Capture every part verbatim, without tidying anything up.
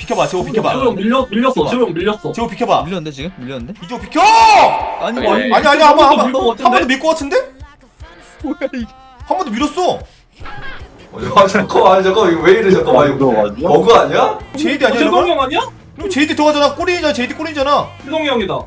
비켜봐 제호 비켜봐 조용 밀려 밀렸어. 조용 밀렸어. 제호 비켜봐 밀렸는데 지금? 밀렸는데? 이쪽 비켜! 아니 아니, 아니 아니 아니 한번 한번 밀것 한 같은데? 번도 밀 것 같은데? 뭐야 이게 한 번도 밀었어 아 잠깐만 아니 잠깐만 이거 왜 이래 잠깐만 이거 버그 아니야? 제이디 아니야 최동이 이거? 형 아니야? 그럼 제이디 들어가잖아 꼬리잖아 제이디 꼬리잖아 최동이 형이다.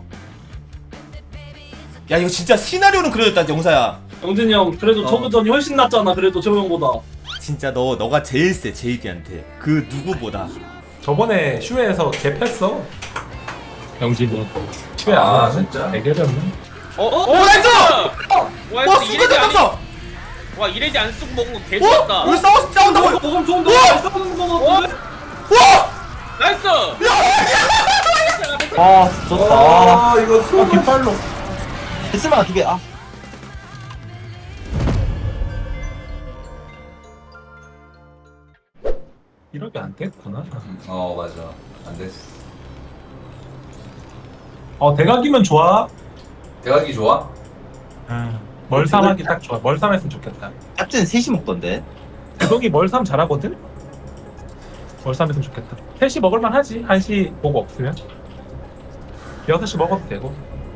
야 이거 진짜 시나리오는 그려졌다 영사야 영진이 형 그래도 어. 저그전이 훨씬 낫잖아. 그래도 재호 형보다. 진짜 너 너가 제일 세 제이디한테 그 누구보다 저번에 슈에에서 개패어 영진이 슈에 아, 안 진짜? 대결이었나? 어? 어? 오 나이스! 와, 와 이거 수가 이레디 아니- 잡았어! 와 이레디 안 쓰고 먹은 거 어? 개좋았다. 여기 싸워 싸운다고! 이거 먹으면 좋은데. 우와! 싸우는 거 어? 같은데. 와! 나이스. 아 좋다 아 이거 아 수업 깃발로 됐으면 두개 아 이렇게 안 됐구나. 어 맞아 안 됐어 어 대각이면 좋아. 대각이 좋아? 아, 멀삼하기 딱 좋아. 멀삼했으면 좋겠다. captain 셋이 먹던데 구동이 멀삼 잘하거든. 멀삼했으면 좋겠다. 셋이 먹을만 하지. 한시 보고 없으면 여섯 시 먹어도 되고.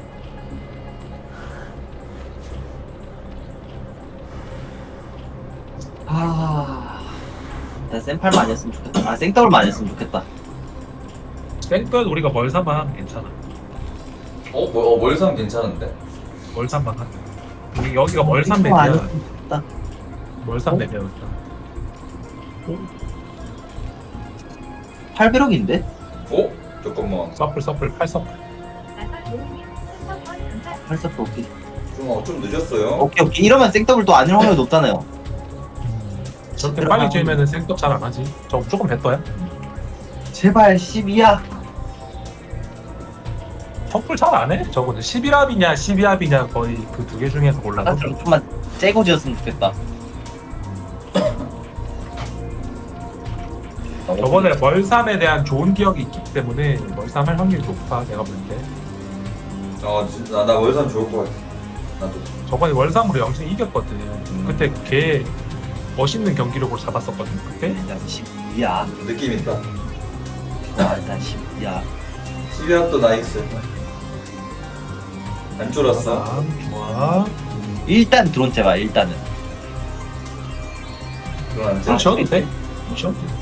아 일단 생팔만 안 했으면 좋겠다 아 생더블만 안 했으면 좋겠다 생떠도 우리가 멀삼만 하면 괜찮아. 어? 뭐, 어 멀상 괜찮은데? 멀삼만 하면. 우리 여기가 멀삼 생더블 안 맵이야. 했으면 좋겠다 멀삼 어? 맵이었다. 팔백억인데? 어? 잠깐만 서플 서플 팔 서플. 팔십사 오케이 좀, 어, 좀 늦었어요 오케이 오케이 이러면 생더블 또 아닐 확률이 높잖아요 저렇게 빨리 지으면은 생떡 잘 안 하지. 저 무조건 배떠야. 제발 십이야 서플 잘 안 해. 저거는 십일 합이냐 십이 합이냐 거의 그 두 개 중에서 골라서. 나좀 좀만 째고 지었으면 좋겠다 저번에 멀삼에 대한 좋은 기억이 있기 때문에 멀삼 할 확률이 높아 내가 볼 때. 어 진짜 나 월삼 좋을 것 같아 나도 저번에 월삼으로 영진이 이겼거든. 그때 걔 멋있는 경기력으로 잡았었거든 그때. 일단 십이야 느낌 있다 아 일단 십이야 십이 합도 나이스 안 쫄았어 다음 좋아. 일단 드론 제발 일단은 그럼 안 좀 쫄. 쉬어도 돼. 쉬어도 돼.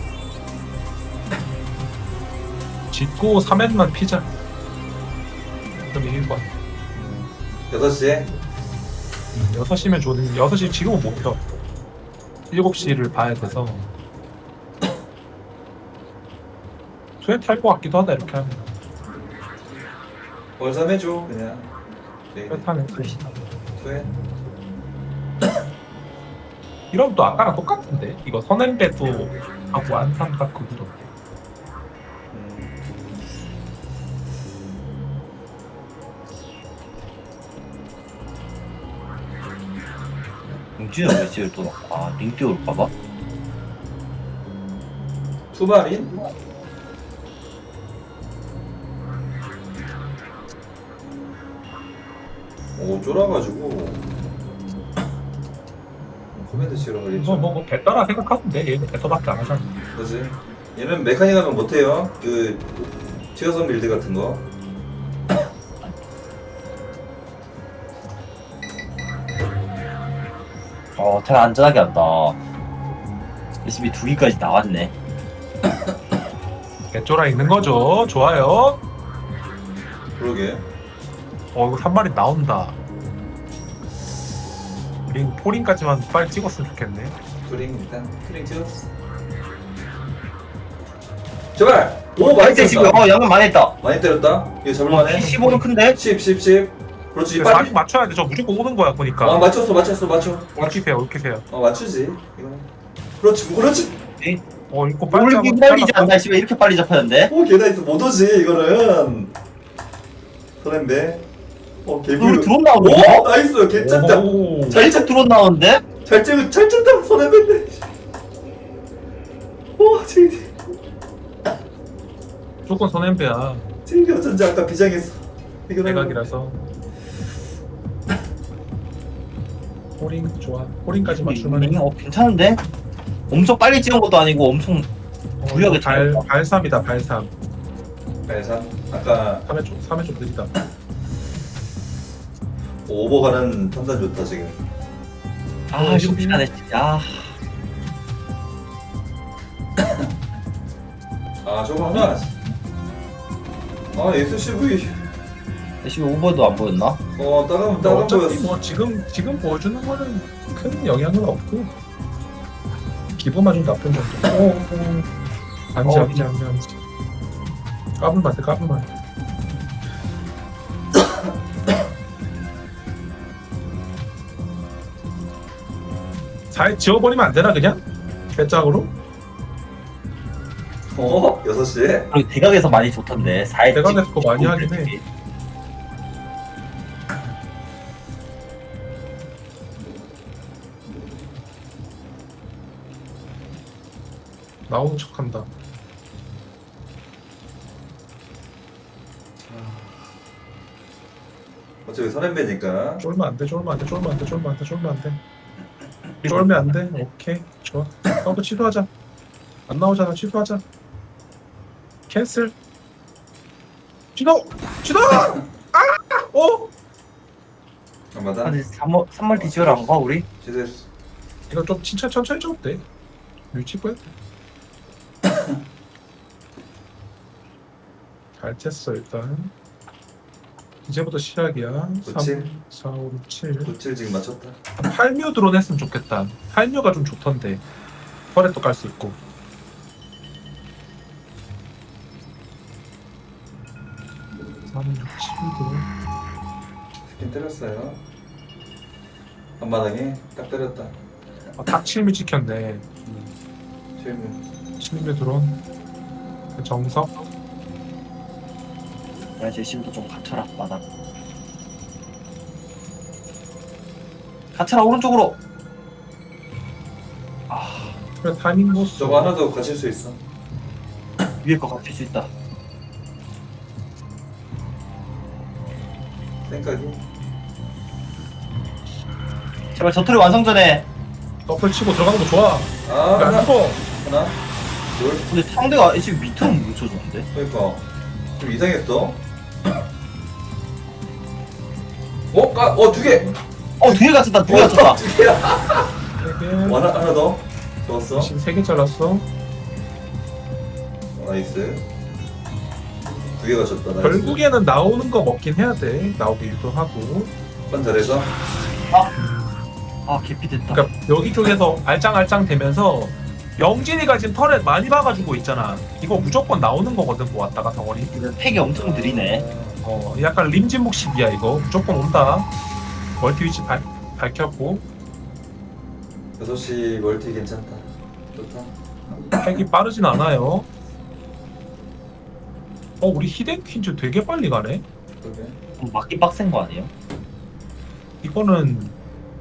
짓고 삼 회만 피자. 그럼 이길 것 같아. 여섯 시에? 여섯 시면 좋은. 여섯 시 지금은 못 펴. 일곱 시를 봐야 돼서. 투에 탈것 같기도 하다 이렇게 하면. 월삼 해줘 그냥 네. 투에 타면 투에 이러면 또 아까랑 똑같은데? 이거 선행배도 하고 안산 닦고 이런. 음. 용준이 왜 지을 또 넣고 아 링 띄울까봐? 투발인? 오 쫄아가지고 코멘트 치러 가겠죠 뭐, 뭐, 뭐, 배따라 생각하면 돼. 얘는 배터밖에 안 하잖아. 그지? 얘는 메카닉 하면 못해요 그 티어선 빌드 같은 거 어 테라 안전하게 한다 에스비 두 개까지 나왔네 개쫄아 있는 거죠. 좋아요. 그러게 어, 이거 한 마리 나온다. 링, 포링까지만 빨리 찍었으면 좋겠네. 투링 일단 투링 찍었어 제발! 오 많이 이제 지금 때렸다 어 양은 많이 했다 많이 때렸다 이거 잡을만해 십오는 큰데? 십, 십, 십 그렇지 근데 빨리 사십 맞춰야 돼. 저 무조건 오는 거야, 보니까. 아 맞췄어 맞췄어 맞춰 올키세요, 올키세요. 어 맞추지 이거 그렇지 그렇지 어, 이거 빨리 올기 기다리지 잘라- 않나 씨발 이렇게 빨리 잡혔는데? 오 개나이스 못 오지 이거는 설렌데 어 우리 개뷰 드론 나오는 오 거? 나이스 괜찮다 오. 살짝 드론 나오는데? 잘 찍은 잘 쳤다 손해봤네 오 제이디 무조건 선엠배야. 제이디 어쩐지 아까 비장했어 이거 대각이라서. 포링 좋아. 포링까지 맞출만 해. 어 괜찮은데? 엄청 빨리 찍은 것도 아니고 엄청 어, 구역에 발, 잘 발삼이다 발삼. 그래서 아까 삼회 좀 삼회 좀 느리다. 오버 가는 판단 좋다 지금. 아 시간에 야 아 저거 하나. 아 에스씨브이. 열심히 오버도 안 보였나? 어 따가면 따가 어차피 보였어. 뭐 지금 지금 보여주는 거는 큰 영향은 없고 기분만 좀 나쁜 정도. 오, 오. 안지 어, 안지 안지 안지. 까불만 돼 까불만. 돼. 잘 지워버리면 안 되나 그냥? 배짱으로? 어 여섯 시에. 그리고 대각에서 많이 좋던데 사회 대각에서 그거 많이 하긴 해. 나오는 척한다. 어차피 선앤배니까. 쫄면 안 돼, 쫄면 안 돼, 쫄면 안 돼, 쫄면 안 돼, 쫄면 안 돼. 쫄면 안 돼. 오케이, 좋아. 서브 취소하자. 안 나오잖아, 취소하자. 캔슬. 취소, 취소. 아, 어? 한마다. 근데 삼월 삼월 디지털 안 가 우리? 취소했어. 이거 좀 진짜 천천히 줘도 돼. 유치 보여. 잘 쳤어 일단. 이제부터 시작이야. 그치? 삼, 사, 오, 육, 칠. 구칠 지금 맞췄다. 팔묘 드론 했으면 좋겠다. 팔묘가 좀 좋던데. 펄에도 깔 수 있고. 삼, 육, 칠 드론. 스킨 때렸어요. 앞마당에 딱 때렸다. 아, 딱 칠미 찍혔네. 실무. 칠미 드론. 정석. 야 제심도 좀 갖춰라 마당. 갖춰라 오른쪽으로. 아 그래 타이밍 보스. 저거 하나 더 갇힐 수 있어. 위에 거 갖출 수 있다. 생각이. 제발 저틀이 완성 전에. 더블 치고 들어가는 거 좋아. 아 야, 하나. 죽어. 하나. 둘. 근데 상대가 지금 밑으로 못 쳐줬는데. 그러니까 좀 이상했어. 어? 까? 어 두 개. 어 두 개 갖췄다 두 개 어, 갖췄다. 두 개야. 세 개. 어, 하나 하나 더. 좋았어. 지금 세 개 잘랐어. 어, 나이스. 두 개 가졌다. 나이스. 결국에는 나오는 거 먹긴 해야 돼. 나오게 유도하고. 번 잘해서. 아 개피 됐다. 그러니까 여기 쪽에서 알짱알짱 되면서 영진이가 지금 털에 많이 박아주고 있잖아. 이거 무조건 나오는 거거든. 뭐 왔다가 덩어리. 이거 팩이 엄청 느리네. 어 약간 림진목식이야 이거. 무조건 온다. 멀티 위치 발, 밝혔고 여섯 시 멀티 괜찮다. 좋다. 팩이 빠르진 않아요. 어 우리 히덴 퀸즈 되게 빨리 가네. 그러게. 좀 맞기 빡센 거 아니에요? 이거는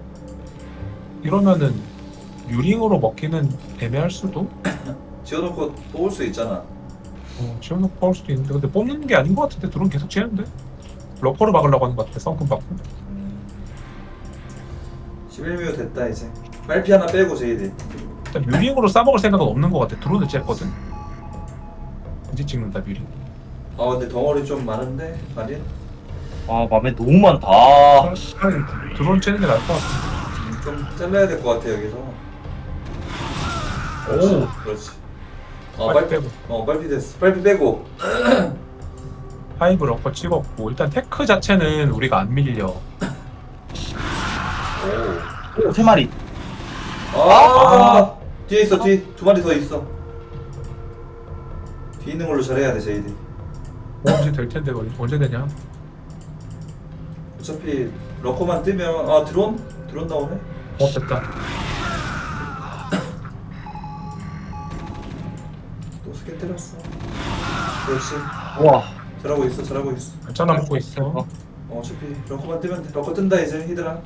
이러면은 유링으로 먹기는 애매할 수도. 지어놓고 뽑을 수 있잖아. 어, 지원놓고 뽑을 수도 있는데 근데 뽑는 게 아닌 것 같은데 드론 계속 치는데 러퍼를 막으려고 하는 것 같아. 썬큰 받고. 십일 묘 됐다 이제. 빨피 하나 빼고 제이디. 일단 뮤링으로 싸먹을 생각은 없는 것 같아. 드론을 쬐거든. 이제 찍는다 뮤링. 아 근데 덩어리 좀 많은데 마린. 아 맘에 너무 많다. 차라리 드론 쬐는 게 나을 것 같아. 음, 좀 잘라야 될 것 같아 여기서. 오. 그렇지. 어 빨리 빨피 빼고. 어 빨피 됐어. 빨피 빼고. 파이브 러퍼 찍었고 일단 테크 자체는 우리가 안 밀려. 오. 오, 세 마리. 아, 아. 뒤에 있어 뒤 두 마리 더 있어. 뒤에 있는 걸로 잘해야 돼 제이디. 언제 될 텐데 언제- 언제 되냐? 어차피 러커만 뜨면 아 드론 드론 나오네. 어 됐다. 또 스캔 때렸어. 그렇지. 우와. 잘하고 있어 잘하고 있어. 알짜나 먹고 있어. 어 어차피 러커만 뜨면 돼. 러커 뜬다 이제 히드라.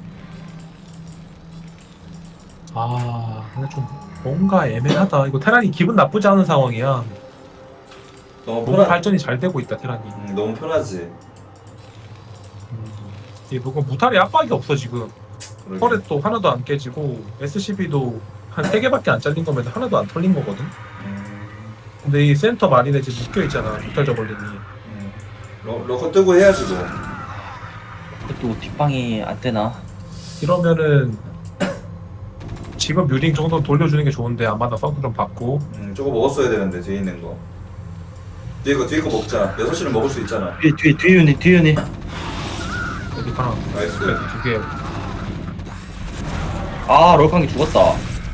아 근데 좀 뭔가 애매하다. 이거 테란이 기분 나쁘지 않은 상황이야. 너무 너무 편하. 발전이 잘 되고 있다 테란이. 음, 너무 편하지. 음, 이게 뭔가 무탈의 압박이 없어 지금. 그러게. 펄에 또 하나도 안 깨지고 에스씨비도 한 세 개밖에 안 잘린 거면 하나도 안 털린 거거든. 음, 근데 이 센터 마린에 지금 묶여있잖아 뮤탈 저걸링이. 음. 러, 러커 뜨고 해야지 뭐. 또 뒷방이 안 되나? 이러면은 지금 뮤링 정도 돌려주는 게 좋은데 아마나 서브 좀 받고. 음, 저거 먹었어야 되는데 뒤에 있는 거. 뒤에 거 뒤에 거 먹자. 여섯 시는 먹을 수 있잖아. 뒤에 뒤에 뒤에 유닛 뒤에 유닛. 여기 하나 나이스. 두개 아 럴캉이 죽었다.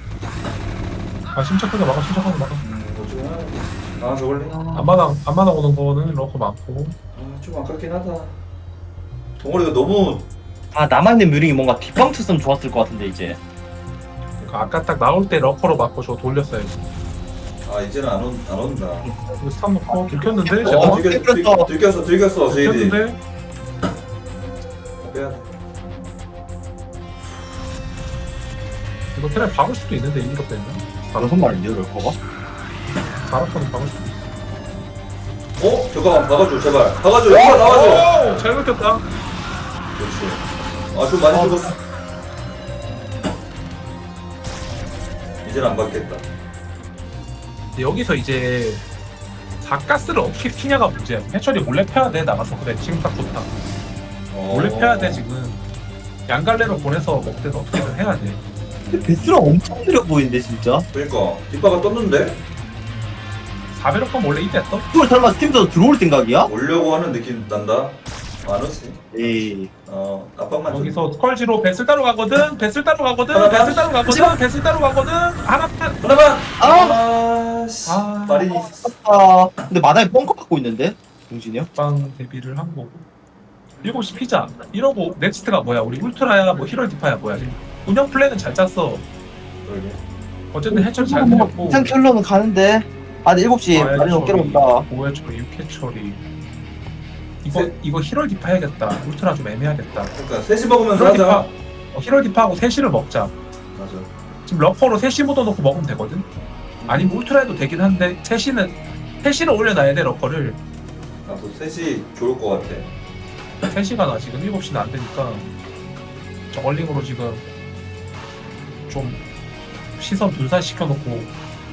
아 침착하게 막아 침착하게 막아. 음, 뭐 좀 하나. 아 저걸래? 안마당 안마당 오는 거는 러커 많고. 아, 좀 아깝긴 하다. 동원이가 너무 아 남아있는 뮤링이 뭔가 뒷방 쳤으면 좋았을 것 같은데 이제. 그러니까 아까 딱 나올 때 러커로 맞고 저 돌렸어야지. 아 이제는 안, 온, 안 온다. 이거 스탑 넣고 들켰는데 어, 제가 들켰, 들, 들켰어. 들켰어, 들켰어, 제이디. 들켰는데 빼야 돼. 이거 테레 박을 수도 있는데 이거 때문에. 여섯 마리인데요 럴커가? 사라카는 박을 수도 있어. 어? 잠깐만, 박아줘, 제발. 박아줘, 여기가 나와줘. 오! 잘 먹혔다. 그렇지. 아, 좀 많이 어. 죽었어. 이제는 안 받겠다. 여기서 이제 사가스를 어떻게 피냐가 문제야. 해철이 몰래 패야 돼 나가서. 그래 지금 딱 좋다. 어. 몰래 패야 돼 지금. 양갈래로 보내서 먹든 어떻게든 해야 돼. 베스랑 엄청 느려 보이는데 진짜. 그러니까 뒷바가 떴는데 사배로 건 원래 이때였어? 이걸 설마 스팀에서 들어올 생각이야? 오려고 하는 느낌 난다. 안 오지. 에이. 어, 압박만 좀. 여기서 스컬지로 배슬 따로 가거든. 배슬 따로 가거든. 하나만? 배슬 따로 가거든. 배슬 따로 가거든. 하나만. 하나만. 아! 아, 씨. 아. 마린이. 아 근데 마당에 뻥커 갖고 있는데 동진이 형? 빵 데뷔를 한 거고. 일곱 시 피자. 이러고 넥스트가 뭐야? 우리 울트라야 뭐 히럴 디파야 뭐야? 운영 플랜은 잘 짰어. 그러게. 어쨌든 해철 잘 뭐 들렸고. 일단 킬러는 가는데. 아 근데 일곱 시 아, 마린 어깨로 온다. 오회 처리, 육회 처리. 이거 세- 이거 히럴 디파 해야겠다. 울트라 좀 애매하겠다. 그러니까 셋이 먹으면서 히럴 디파. 하자. 어, 히럴 디파하고 셋시를 먹자. 맞아. 지금 러퍼로 셋시 묻어놓고 먹으면 되거든. 아니면 울트라 해도 되긴 한데 셋시는 셋시를 올려놔야 돼 러퍼를. 나도 셋이 좋을 것 같아. 세 시가 나 지금 일곱 시는 안 되니까 저걸링으로 지금 좀 시선 분산시켜 놓고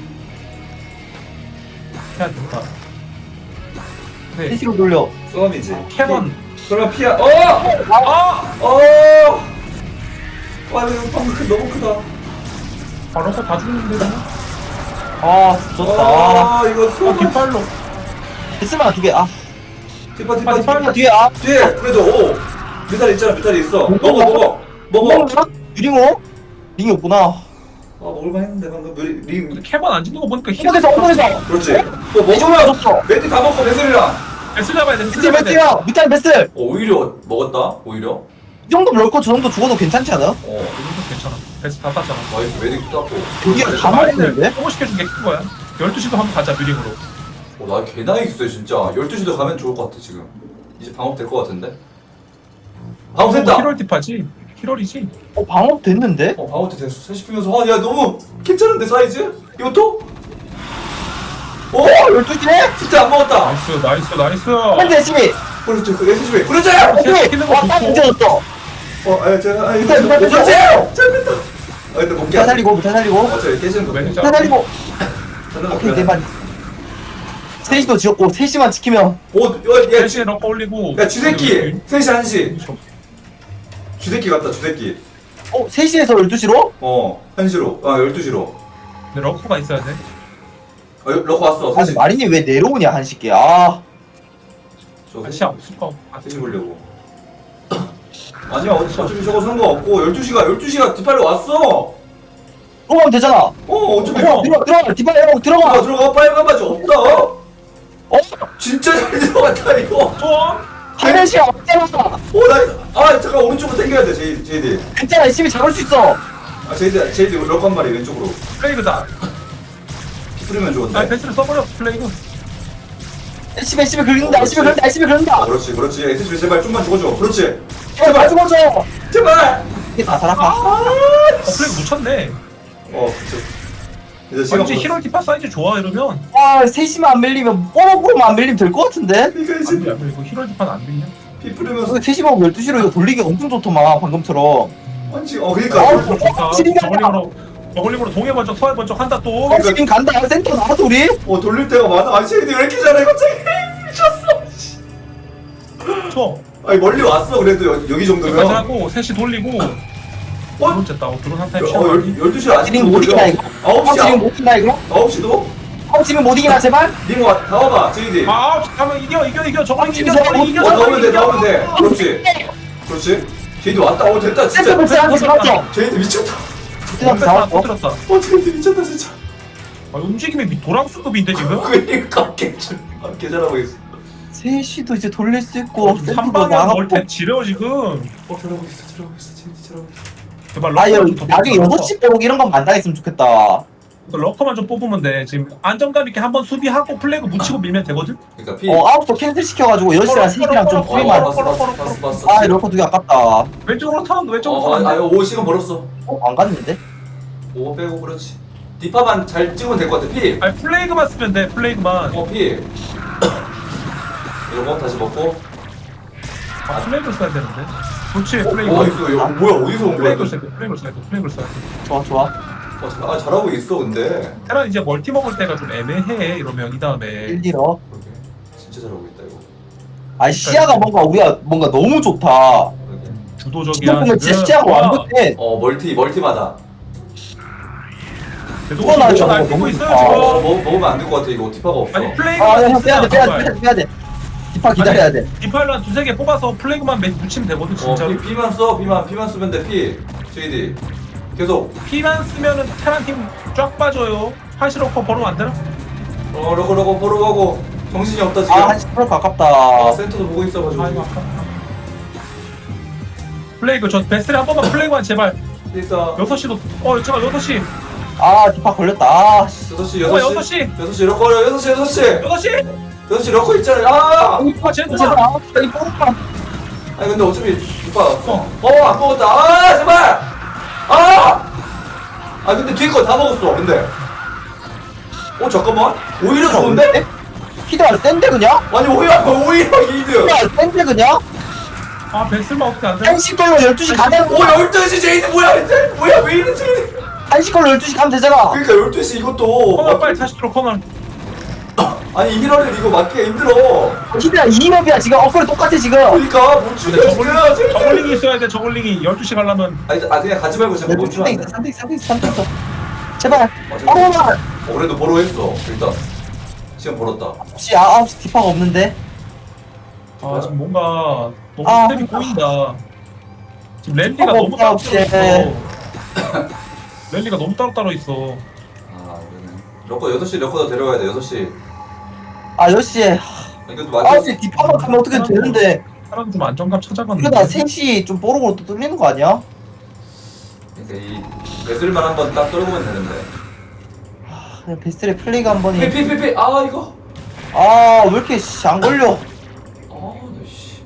해야 된다. 근데 셋시로 돌려. 싸움이지. 캐논 설마 피야? 어! 아! 어! 와 이거 방금 크- 너무 크다. 바로 다 죽는데 아 좋다. 아. 아 이거 아 수업. 뒷발로 베스만 두 개. 아 뒷바 뒷바 아, 뒷바 뒷발. 뒤에 아. 뒤에 그래도 오 미탈 있잖아 미탈 있어. 먹어 먹어 먹어. 유링호? 링이 없구나. 아 먹을만 했는데 방금 리, 리 근데 캐번 안 죽는 거 보니까 힘 엉덩에서 엉덩에서. 그렇지. 또 이쪽으로 먹으면 줬어. 멘티 다 먹고 베슬이랑. 베스 잡아야 돼. 베스 베스 잡아야 돼. 베스야. 밑에 베스. 어 오히려 먹었다 오히려. 이 정도 럴커 저 정도 죽어도 괜찮지 않아? 어 이것도 괜찮아. 베스 다 땄잖아. 나이스 메딕 땄고. 여기가 다 먹었는데? 소모시켜준 게 큰 거야. 열두 시도 한번 가자 뮤링으로. 어나 개나이스 진짜. 열두 시도 가면 좋을 것 같아 지금. 이제 방업 될 것 같은데. 방업 됐다. 히럴 디파지. 히럴이지. 어 방업 됐는데? 어 방업 됐어. 셋이 피면서 아야 너무 괜찮은데 사이즈? 이것도? 오 열두 시네? 진짜 안 먹었다. 나이스 나이스 나이스. 한대 열심히. 그렇지 그 에스지비 그렇지. 오케이. 와딱 문제였어. 어, 아, 제가, 아, 이거 일단, 일단, 못 일단. 봤지? 잘 뺐다. 아, 근데 못 다 깨. 살리고 다 살리고. 어, 저 깨지는 거. 매니저. 다 살리고. 저는 오케이 못 네 깨. 마리. 셋시도 지었고 셋시만 지키면. 오, 야, 야, 셋시에 넣고 올리고. 야, 주새끼. 셋시 한시. 저- 주새끼 같다, 주새끼. 어 셋시에서 열두 시로? 어, 한시로. 아, 열두 시로. 근데 러커가 있어야 돼. 어, 러커 왔어. 아니 사실. 마린이 왜 내려오냐 한시께. 아. 저 다시 없을 거. 셋시 보려고. 아니야, 어차피 어차피 저거 상관없고, 열두 시가, 열두 시가 뒷발로 왔어. 들어가면 되잖아. 어, 어차피. 들어가 들어가 들어가 뒷발 내려고 들어가. 들어가, 들어가. 빨간 바지 없다. 어? 진짜 잘 들어갔다, 이거. 좋아. 하는 시간 없잖아. 오, 나, 아, 잠깐, 오른쪽으로 당겨야 돼, 제이, 제이디. 괜찮아 열심히 잡을 수 있어. 아, 제이디, 제이디, 러커 한 마리, 왼쪽으로. 플레이그다. 피 뿌리면 좋은데. 아 베스를 써버려 플레이그. 열심히 열심히 긁는다 열심히 긁는다 열심히 어, 긁는다. 그렇지, 그렇지. 에스지비 제발 좀만 죽어줘. 그렇지. 제발 다 죽어줘. 제발. 이게 다 살아가. 어 플레이그 못 쳤네. 어, 그렇지. 이제 시간 왠지 히럴 디파 사이즈 좋아 이러면. 아 셋시만 안 밀리면 뽀록으로만 안 밀리면 될 것 같은데? 이거 안 이제 돼, 안 돼. 이거 히럴 디파는 안 밀려. 피 뿌리면서 이거 셋시 먹으면 열두 시로 이거 돌리기 엄청 좋더만 방금처럼. 완치. 어, 아, 그러니까. 어, 좋다. 지리가 저걸링으로 저글링으로 동해 번쩍 서해 번쩍 한다 또. 어, 지금 간다. 센터 나왔어 우리. 어 돌릴 때가 많아. 아니 쟤네들 왜 이렇게 잘해 갑자기. 미쳤어. 쳐. 아니 멀리 왔어 그래도 여, 여기 여기까지 정도면. 하고 셋이 돌리고. 어? 드론 쨌다. 어, 드론 한 타임 어, 쉬어. 열, 열두 시 아직도 지금 못 이기나 이거? 아홉 시 지금 못 이기나 이거? 아홉 시도? 어 지금 못 이기나 제발? 님 와, 다 와봐 제이디. 아, 아홉 시 가면 이겨 이겨 이겨. 저글링 이겨 진짜 저글링 이겨 어 나오면 저글링 돼 이겨. 나오면 돼. 그렇지. 그렇지. 제이디 왔다. 어 됐다 센터 진짜. 벌써 한개 잡았어. 제이디 미쳤다. 진짜 다 잡았어. 터뜨렸다. 어 제이디 미쳤다 진짜. 아, 움직임이 미- 도랑수급인데 지금? 그러니까 개잘 개잘하고 있어. 셋이도 이제 돌릴 수 있고 한 센터도 방에 나가고. 멀텐 지려 지금. 어 잘하고 있어 잘하고 있어 제이디 잘하고 있어. 제발 아, 야, 럭커만 좀 나중에 뽑아. 여섯 시 빼고 이런 건 만당했으면 좋겠다. 럭커만 좀 뽑으면 돼. 지금 안정감 있게 한번 수비하고 플래그 묻히고 밀면 되거든? 그러니까 피. 어, 아홉 시 캔슬 시켜가지고 여섯 시랑 세 시랑 좀 어, 프리만. 봤어 봤어 봤어 봤어. 아, 이럴 거 되게 아깝다. 왼쪽으로 턴 왼쪽으로 어, 턴. 아니 오 시간 벌었어. 어, 안 갔는데? 오 빼고 그렇지. 디파만 잘 찍으면 될 것 같아. 피. 아니 플레이그만 쓰면 돼. 플레이그만. 어 피. 이거 다시 먹고. 아, 플레이그를 써야 되는데. 그렇지. 플레이그. 어 있어. 이거 뭐야 어디서 온 거야? 플레이그를 써야 돼. 플레이그를 써야 돼. 플레이그를 써야 돼. 좋아, 좋아. 어, 잘, 아 잘하고 있어 근데. 테란 이제 멀티 먹을 때가 좀 애매해. 이러면 이 다음에. 일 딜어. 그러게. 진짜 잘하고 있다 이거. 아, 시야가 뭔가 우리가 뭔가 너무 좋다. 그러게. 주도적이야. 지금 보면 진짜 지금. 시야가 와, 완벽해. 어 멀티 멀티마다. 그래도 이거 나죠. 날 너무 뛰고 있어요 좋다. 어 지금. 먹, 먹으면 안 될 것 같아 이거 디파가 없어. 아니 플레이그. 아, 형 빼야 돼, 빼야 돼, 빼야 돼, 빼야 돼. 디파 기다려야 돼. 디파일러 한 두세 개 뽑아서 플레이그만 매- 묻히면 되거든 어 진짜로. 피, 피만 써 피만 피만 쓰면 돼 피. 제이디. 계속. 피만 쓰면은 테란 팀 쫙 빠져요. 하시로커 벌으면 안 되나? 어 러고 러고 보러 가고 정신이 없다 지금. 아, 한 십 퍼센트 아, 가깝다. 센터도 보고 있어가지고. 아이고 아깝다. 플레이그 저 베스를 한 번만 플레이그만 제발. 일단 여섯 시도 어 잠깐 여섯 시. 아, 디파 걸렸다. 아, 씨. 여섯 시 어, 여섯 여섯 시 시. 여섯 시 러커 여섯 시 여섯 시 여섯 시. 여섯 시 러커 있잖아. 아! 아 쟤 제발, 누가? 아홉 시, 이 뽀록만. 아니 근데 어차피 오빠 어안 먹었다. 아 제발. 아! 아 근데 뒤에 거 다 먹었어. 근데. 어 잠깐만. 오히려 좋은데? 히드가 센데, 그냥? 아니 오히려 오히려 이드. 히드가 센데, 그냥? 아 베스만 어떻게 안 돼? 한 시 걸로 열두 시 가면, 오 열두 시 제이드 뭐야 이제 뭐야 왜 이래 제이드. 한 시 걸로 열두 시 가면 되잖아. 그러니까 열두 시 이것도 코너 빨리 다시 들어 코너. 아니 힐러를 이거 맞기 힘들어. 히드가 이 럽이야 지금. 어, 그래, 똑같아, 지금. 그러니까 못 근데 죽여 저글링 지금. 저글링이 있어야 돼. 저글링이 열두 시 가려면. 아니 아 그냥 가지 말고 지금 열두 시 멈추면 안 돼. 삼 대 있어, 삼 대 있어, 삼 대 있어. 제발. 맞아. 어머나! 어 그래도 보러 했어 일단 시간 벌었다. 혹시 아, 아홉 시 디파가 없는데? 아 지금 뭔가 너무 아, 스텝이 꼬인다. 지금 랠리가 어, 너무 따로 없지. 따로 있어. 랠리가 너무 따로 따로 있어. 아 그러네. 러커 여섯 시 러커도 데려가야 돼 여섯 시. 아, 열 시에. 아니 그래도 맞아. 아홉 시 디파만 가면 어떻게 되는데. 사람 좀 안정감 찾아갔는데. 그러다 세 시 좀 뽀록으로 또 뚫리는 거 아니야? 그러니까 이 베슬만 한번 딱 떨구면 되는데. 그냥 베스트의 플레이가 한 번이. 피피피피 아 이거. 아, 왜 이렇게 씨, 안 걸려? 아씨.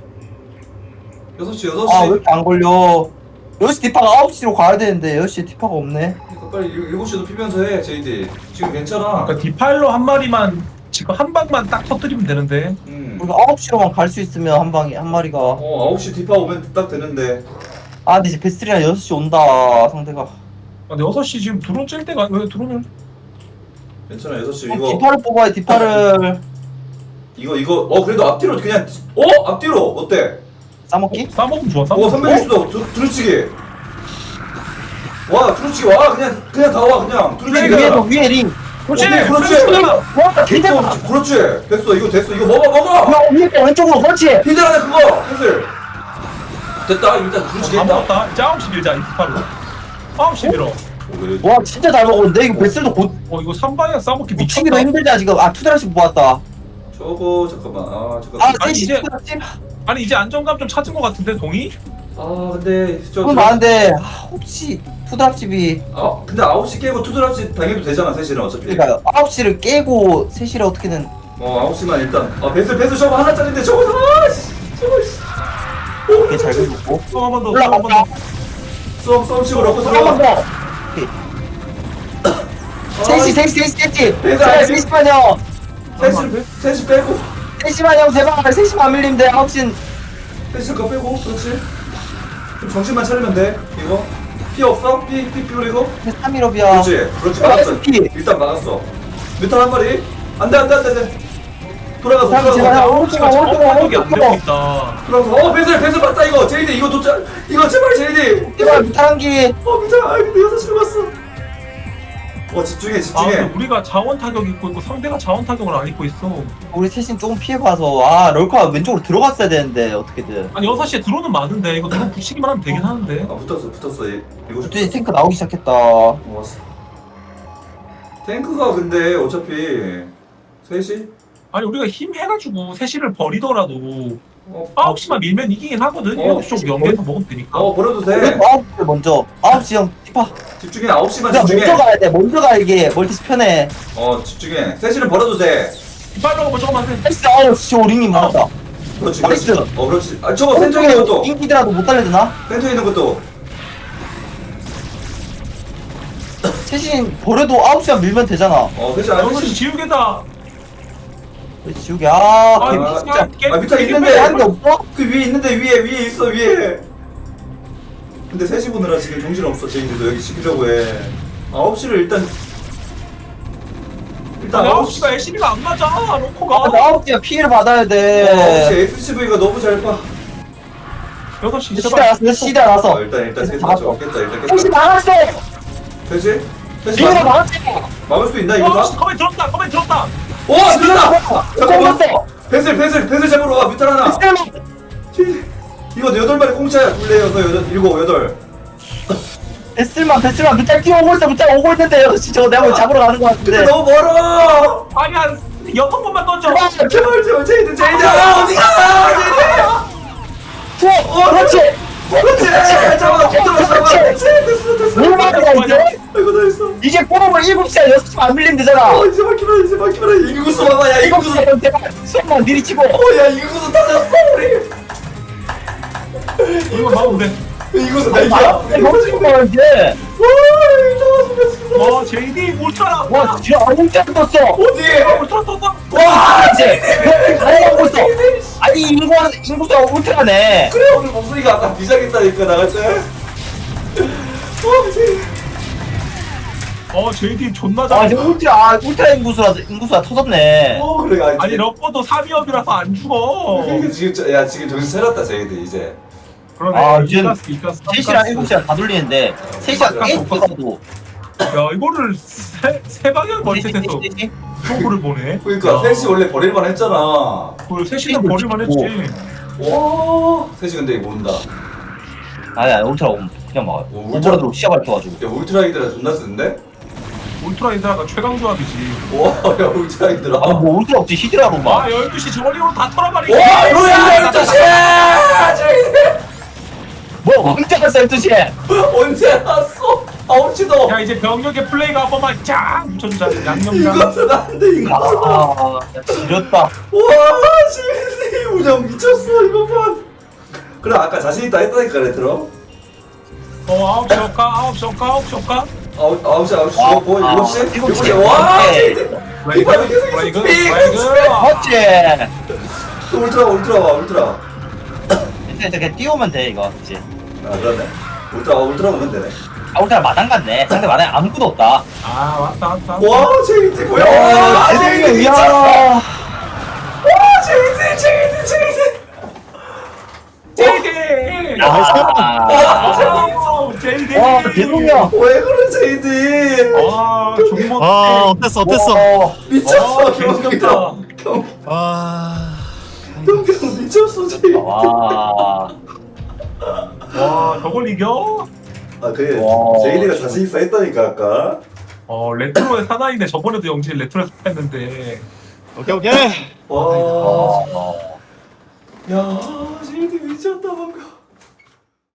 여섯 시 여섯 시. 아, 왜 이렇게 안 걸려? 여섯 시 디파가 아홉 시로 가야 되는데 여섯 시에 디파가 없네. 그러니까 빨리 일- 일곱 시도 피면서 해 제이디. 지금 괜찮아. 그러니까 디파일러 한 마리만 지금 한 방만 딱 터뜨리면 되는데. 음. 우리가 아홉 시로만 갈 수 있으면 한 방에 한 마리가. 어 아홉 시 디파 오면 딱 되는데. 아, 근데 이제 베스트리랑 여섯 시 온다 상대가. 아, 근데 여섯 시 지금 드론 찔 때가 왜 드론을? 괜찮아 여섯 시 어, 이거 디파를 뽑아야 디파를. 이거 이거 어 그래도 앞뒤로 그냥 어 앞뒤로 어때? 싸먹기? 싸먹으면 좋아. 어 싸먹으면. 삼백육십 도 두- 두루치기. 와 두루치기 와 그냥 그냥 다 와 그냥 두루치기. 위에도 위에 링. 그렇지. 오케이, 그렇지. 그렇지. 와, 개대박. 어, 그렇지 됐어 이거 됐어 이거 먹어 먹어. 야, 위에 거 왼쪽으로 그렇지. 히들 안에 그거 펜슬. 됐다 일단 두루치기 다 했다. 먹었다. 이제 아홉 시 밀자 이 디파로. 아홉 시 밀어. 와, 진짜 잘 먹었는데 이거 베스트도 곧 어 이거 삼 방향 싸먹기 미쳤다. 치기도 힘들다 지금. 아, 투드라씩 모았다. 저거 잠깐만 아 아, 잠깐만. 아니, 셋이 이제- 투드라씩. 아니 이제 안정감 좀 찾은 것 같은데 동이? 아 근데 저 그건 많은데 아, 혹시 투드랍십이. 아 근데 아홉 시 깨고 투드랍시 당해도 되잖아 셋이는 어차피. 그러니까 아홉 시를 깨고 세 시를 어떻게든. 어 아홉 시만 일단 아 배슬 배슬 저거 하나짜리인데 저거 아씨 저거 씨. 이렇게 잘 긁고. 또한번 더. 또한번 올라간다. 더. 썸 썸치고 넣고 한 번 들어가. 더. 셋시 셋시 셋시 셋시. 배달. 제발 셋시만요. 셋이 셋이 빼고 셋시만요 제발. 셋시만 안 밀리면 돼. 아홉 시는. 셋이 거 빼고 그렇지. 좀 정신만 차리면 돼 이거. 피 없어? 피, 피, 피 그리고? 삼 일업이야. 그렇지, 그렇지, 막았어. 아, 피. 일단 막았어. 뮤탈 한 마리. 안 돼, 안 돼, 안 돼, 안 돼. 돌아가서, 삼 제발 돌아가서. 오른쪽으로 자원 오른쪽으로 타격이 안 되고 오른쪽으로. 있다. 돌아가서. 어, 배슬, 배슬 맞다, 이거. 제이디, 이거 도착. 이거 제발, 제이디. 제발 무탄기. 어, 뮤탈. 아, 근데 여섯 시로 갔어. 어, 집중해, 아 집중해. 근데 우리가 자원 타격 입고 있고 상대가 자원 타격을 안 입고 있어. 우리 셋이 조금 피해봐서 아 럴커가 왼쪽으로 들어갔어야 되는데 어떻게든. 아니 여섯 시에 드론은 많은데 이거 드론 붙이기만 하면 되긴 하는데. 아, 붙었어, 붙었어. 이- 이거 좀. 어쩐지 탱크 나오기 시작했다. 어, 왔어. 탱크가 근데 어차피 셋이? 아니 우리가 힘 해가지고 셋시를 버리더라도 어, 아홉 시만 밀면 이기긴 하거든. 어, 일곱 시 쪽 연계해서 먹으면 되니까. 어 버려도 우리 돼. 아홉 시 먼저. 아홉 시 형 티파. 집중해. 아홉 시만 그냥 집중해. 먼저 가야 돼. 먼저 가 이게 멀티스 편해. 어 집중해. 셋이는 버려도 돼. 이빨로 먼저 가면 안 돼. 나이스. 아우 씨 오링님 많았다. 그렇지. 나이스. 그렇지. 어 그렇지. 아 저거 센터에 있는 것도. 인기더라도 못 달려드나? 센터에 있는 것도. 셋이 버려도 아홉 시간 밀면 되잖아. 어 셋이 안 여섯 시 셋이. 지우개다. 그렇지 지우개. 아 아, 개미 아, 진짜. 깨- 아, 밑에 깨- 있는데. 깨- 하는 게 없어? 그 위에 있는데 위에 위에 있어 위에. 근데 셋이 보느라 지금 정신 없어. 제이들도 여기 지키려고 해. 아홉 시를 일단. 일단 아니 아홉 아홉 시. 시가 엘씨비가 안 맞아. 아, 로코가. 아홉 시간 피해를 받아야 어, 아홉 시 돼. 에스씨브이가 너무 잘 봐. 여섯 시 시대 제발. 나왔어. 시대 어, 나왔어. 일단 일단 셋이 잡았어. 맞춰. 깼다 일단 셋이 깼다. 나갔어. 셋이? 셋이 이거 막- 나갔지. 막을 수 있나 이거 어, 다? 커맨 들었다. 커맨 들었다. 오 들었다! 잠깐만 잡았어. 배슬 배슬 배슬 잡으러 와 뮤탈 하나 이거 여덟 마리 공짜야 둘레 여섯 여덟 일곱 여덟 베슬만 베슬만 무짤 뛰어오고 있어. 무짤 오고 있는데 여섯 시 저거 내가 뭐 잡으러 가는 거 근데 같은데. 너무 멀어 아니 한 여섯 번만 던져. 제발. 제발 제발 제이드 제이드 아 어디가 제이드 투어. 그렇지. 그렇지 잡아 붙들어 잡아 그렇지 됐어 됐어 뭘 말이야 이제? 아이고 다 했어 이제 꼬라보 일곱 시야 여섯 시만 안 밀리면 되잖아. 어 이제 막히라 이제 막히라 인구수 봐봐 야 일곱 인구수 시면 제발 수업만 미리 치고. 어야 인구수 터졌어 우리 이거 막으면 돼. 인구수 아니 내기야 너무 치고 가 이제. 와 와 제이디 몰타라. 와 진짜 아무것도 안 떴어. 어디 몰타 떴다. 와 이제 가려고 있어. 아니 인구 인구수가 울트라네. 그래 오늘 목소리가 아까 비장했다니까 나갈 때 어, 제- 어 제이디 존나 아 잘. 이제 울트라 아, 울트라 인구수가 인구수가 터졌네. 어 그래 아니, 아니 러퍼도 삼 위업이라서 안 죽어. 그러니까 지금 저- 야 지금 정신 차렸다 저희들 이제 그러네. 아, 이제 이가스 이가스. 세 시랑 일곱 시간 다 돌리는데 세 시간 게임 뛰어도 야 이거를 세, 세 방향 멀티해서 초구를 보네. 그러니까 야, 셋이 원래 버릴만 했잖아 그걸 세 시간 버릴만 했지. 와 셋이 근데 이거 모른다 아니야 울트라 오면 그냥 막아요. 어, 울트라- 오버로드 시야 밝혀가지고. 야 울트라이드라 존나 쓰는데? 울트라 인드라가 최강 조합이지. 와야 울트라이드라 아 뭐 울트라 없지 히드라로만. 아 열두 시 저걸리로 다 털어버리고. 와 뭐야 열두 시 뭐 언제 갔어 열두 시에? 언제 왔어? 아홉 시도 야 이제 병력의 플레이가 한 번만 쫙 묻혀주자. 양념장. 이것은 안돼 이거 아 지렸다. 와 시민이 운영 미쳤어 이거 봐 그래 아까 자신있다 했다니까 그래 들어 어 아홉 시 올까 아홉 시 올까 아홉 시 올까. 아홉 아홉 시 아홉 시 아, 뭐 아, 일곱 시 일곱 일곱 시. 시 와 오케이. 이 밤에 계속 브레이크 있어 브레이크. 맞지? 또 울트라 울트라 와 울트라 이제 이렇게 띄우면 돼 이거 그치? 아 그러네 울트라 어, 울트라 오면 되네 아 울트라 마당 같네. 상대 마당에 아무것도 없다. 아 왔다 왔다. 와 제이디 뭐야 야, 와 제이디 대박이야. 미쳤어 야. 와 제이디 제이디 제이디 제이디. 아, 아, 제이디. 와 대동이야. 왜 그래 제이디 와 종목. 아 어땠어 어땠어 와. 미쳤어 와, 경경 개웃겼다. 경 와 경경 미쳤어 제이디 와. 와 저걸 이겨? 아 그래 와. 제이디가 자신있어 했다니까 아까 어 레트로의 사나이네. 저번에도 영진 레트로에서 했는데. 오케이 오케이 와 아. 야, 제이디 미쳤다 방금.